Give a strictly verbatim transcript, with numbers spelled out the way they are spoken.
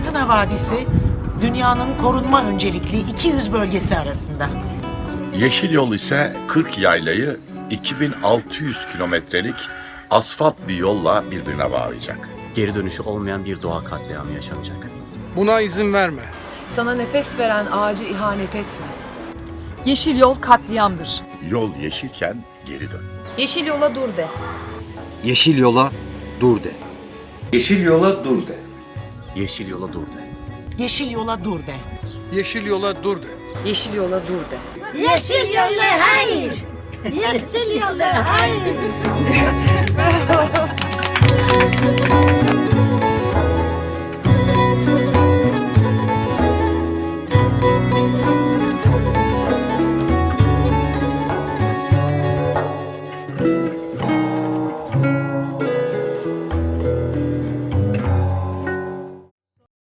Fırtına Vadisi, dünyanın korunma öncelikli iki yüz bölgesi arasında. Yeşil Yol ise kırk yaylayı iki bin altı yüz kilometrelik asfalt bir yolla birbirine bağlayacak. Geri dönüşü olmayan bir doğa katliamı yaşanacak. Buna izin verme. Sana nefes veren ağacı ihanet etme. Yeşil yol katliamdır. Yol yeşilken geri dön. Yeşil yola dur de. Yeşil yola dur de. Yeşil yola dur de. Yeşil yola dur de. Yeşil yola dur de. Yeşil yola dur de. Yeşil yola dur de. Yeşil yola hayır. Yeşil yola hayır.